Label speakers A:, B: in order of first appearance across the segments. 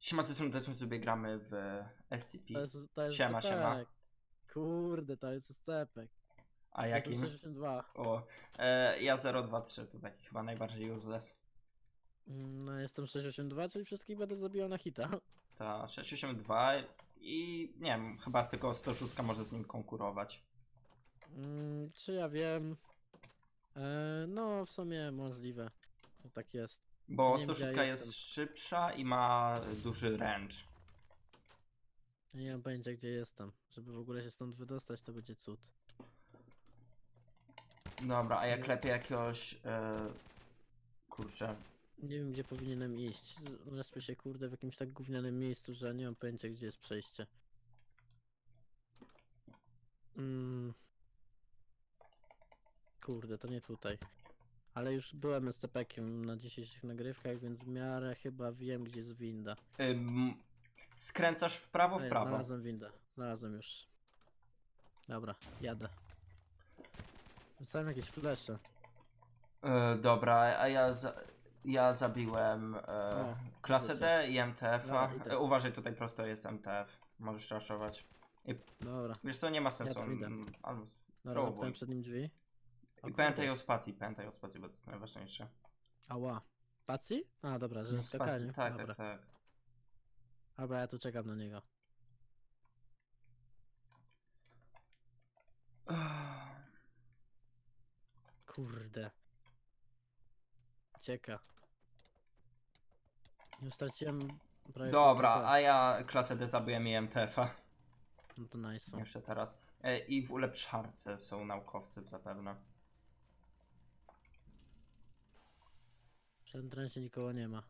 A: Siema, ze strony sobie gramy w SCP.
B: To jest
A: Siema, siema.
B: scepek. Kurde, to jest scepek.
A: A
B: Jestem
A: jakim?
B: 62.
A: O, ja 023, to taki chyba najbardziej useless.
B: No jestem 682, czyli wszystkich będę zabijał na hita.
A: To 682 i nie wiem, chyba tylko 106 może z nim konkurować.
B: Czy ja wiem? No w sumie możliwe. To tak jest.
A: Bo
B: Nie wiem, gdzie
A: 106
B: ja
A: jest
B: jestem.
A: szybsza i ma duży range.
B: Ja nie mam pojęcia gdzie jestem. Żeby w ogóle się stąd wydostać to będzie cud.
A: Dobra, a ja klepię jakiegoś... kurczę.
B: Nie wiem gdzie powinienem iść. Respię się kurde w jakimś tak gównianym miejscu, że nie mam pojęcia gdzie jest przejście. Kurde, to nie tutaj. Ale już byłem SCP-kiem na dzisiejszych nagrywkach, więc w miarę chyba wiem, gdzie jest winda.
A: Skręcasz w prawo, w prawo.
B: Znalazłem windę. Znalazłem już. Dobra, jadę. Rzucałem jakieś flesze.
A: Dobra, a ja zabiłem klasę
B: wiecie.
A: D i MTF-a.
B: Dobra, idę.
A: Uważaj, tutaj prosto jest MTF. Możesz raszować.
B: Dobra,
A: Wiesz co, nie ma sensu.
B: tam idę.
A: Albo
B: dobra,
A: spróbuj.
B: zamknąłem przed nim drzwi. O
A: I
B: kurde.
A: pamiętaj o spacji, bo to jest najważniejsze.
B: Ała. Pacji? A, dobra, że
A: No,
B: skakanie.
A: spacji, tak,
B: Dobra.
A: tak, tak.
B: Dobra, ja tu czekam na niego. Kurde. Cieka. Już straciłem prawie
A: Dobra,
B: pół HP.
A: a ja klasę D zabiłem i MTF-a.
B: No to nice.
A: Jeszcze teraz. I w ulepszarce są naukowcy zapewne.
B: W entrencie nikogo nie ma.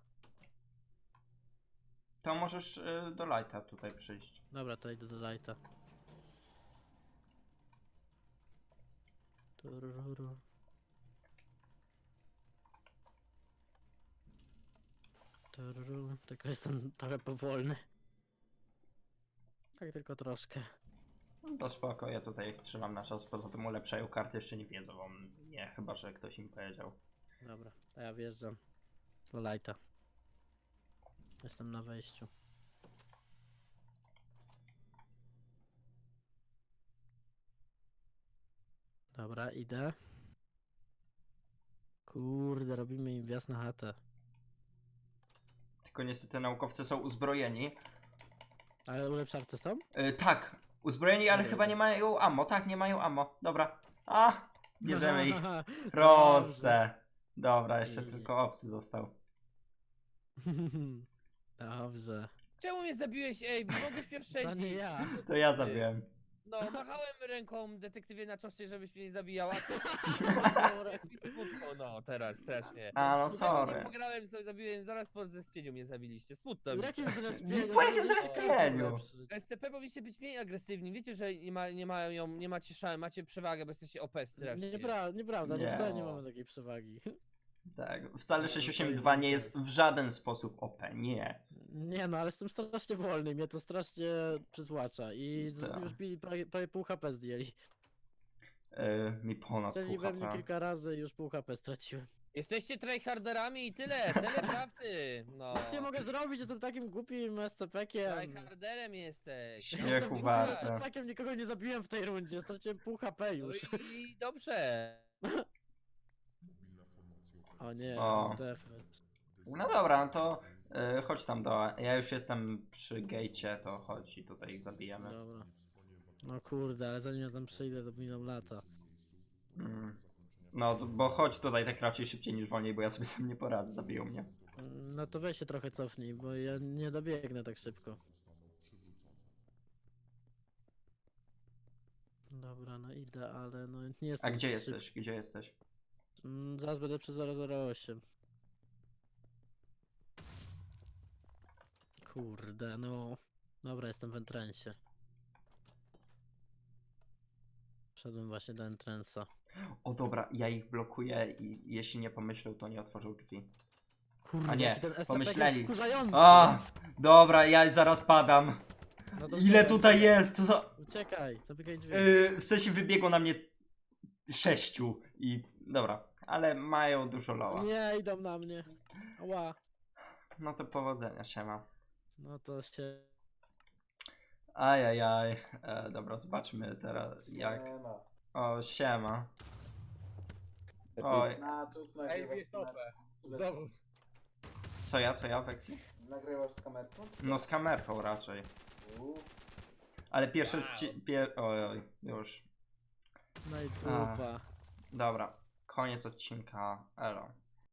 A: To możesz do lighta tutaj przyjść.
B: Dobra, to idę do lighta. Tururu. Tururu. Tylko jestem trochę powolny. Tak tylko troszkę.
A: No to spoko, ja tutaj ich trzymam na czas, poza tym ulepszają karty, jeszcze nie wiedzą o mnie, chyba że ktoś im powiedział.
B: Dobra, to ja wjeżdżam do lighta. Jestem na wejściu. Dobra, idę. Kurde, robimy im wjazd na chatę.
A: Tylko niestety naukowcy są uzbrojeni.
B: Ale ulepszarce są?
A: Tak, uzbrojeni, ale
B: Dobra,
A: chyba
B: idę.
A: nie mają ammo. Tak, nie mają ammo. Dobra. A, bierzemy ich.
B: Dobrze.
A: Proste. Dobra, jeszcze
B: Easy.
A: tylko obcy został.
B: Dobrze.
C: Czemu mnie zabiłeś, ej? Mogłeś mnie
B: To
C: oszczędzić.
B: nie ja.
A: To ja zabiłem.
C: No, machałem ręką detektywie na czoście, żebyś mnie nie zabijał, a ty... Smutno, no, teraz, strasznie.
A: A, no
C: Nie
A: sorry.
C: pograłem, sobie zabiłem, zaraz po zespieniu mnie zabiliście, smutno mi.
B: W jakim zrespieniu?
A: Po jakim zrespieniu?
C: STP powinniście być mniej agresywni, wiecie, że nie macie macie przewagę, bo jesteście OP strasznie.
B: Nieprawda,
A: Nie.
B: wcale nie mamy takiej przewagi.
A: Tak, wcale
B: No,
A: 682 nie jest w żaden sposób OP, nie.
B: Nie no, ale jestem strasznie wolny, mnie to strasznie przytłacza i
A: Tak.
B: już mi prawie pół HP zdjęli.
A: Mi ponad pół
B: Strzeli we mnie
A: HP.
B: kilka razy i już pół HP straciłem.
C: Jesteście tryharderami i tyle prawdy. No.
B: Nic nie mogę zrobić, jestem takim głupim SCP-kiem.
C: Tryharderem jesteś.
A: Śmiechu
B: Jestem głupim
A: warte.
B: SCP-kiem, nikogo nie zabiłem w tej rundzie, straciłem pół HP
C: No
B: już.
C: i dobrze.
B: O nie,
A: O.
B: defekt.
A: No dobra, no to chodź tam do... Ja już jestem przy gejcie, to chodź i tutaj ich zabijemy.
B: Dobra. No kurde, ale zanim ja tam przyjdę, to miną lata.
A: No, bo chodź tutaj tak raczej szybciej niż wolniej, bo ja sobie sam nie poradzę, zabiją mnie.
B: No to weź się trochę cofnij, bo ja nie dobiegnę tak szybko. Dobra, no idę, ale no nie
A: A
B: jestem
A: gdzie
B: zbyt
A: jesteś? Gdzie jesteś?
B: szybki. Zaraz będę przy 008. Kurde, no. Dobra, jestem w entrensie. Wszedłem właśnie do entrensa.
A: O dobra, ja ich blokuję i jeśli nie pomyślą, to nie otworzą drzwi.
B: Kurde,
A: A nie,
B: jaki ten SCP
A: pomyśleli.
B: jest wkurzający.
A: A, dobra, ja zaraz padam.
B: No to
A: Ile
B: uciekaj,
A: tutaj jest? To za...
B: Uciekaj, zamykaj drzwi.
A: W sensie wybiegło na mnie 6 i dobra, ale mają dużo loła.
B: Nie, idą na mnie. Ła.
A: No to powodzenia, siema.
B: No to się...
A: Ajajaj. Dobra, zobaczmy teraz jak...
D: Nie ma.
A: O, siema. Oj,
D: Natus,
C: Ej,
D: nagrywasz
C: jest
D: z kamerką?
C: OP. Znowu.
A: co ja, Weksi?
D: Nagrywasz z kamerką?
A: No z kamerką raczej.
D: Uuu.
A: Ale pierwszy
C: Wow.
A: oj, już.
B: No i dupa.
A: Dobra, koniec odcinka. Elo.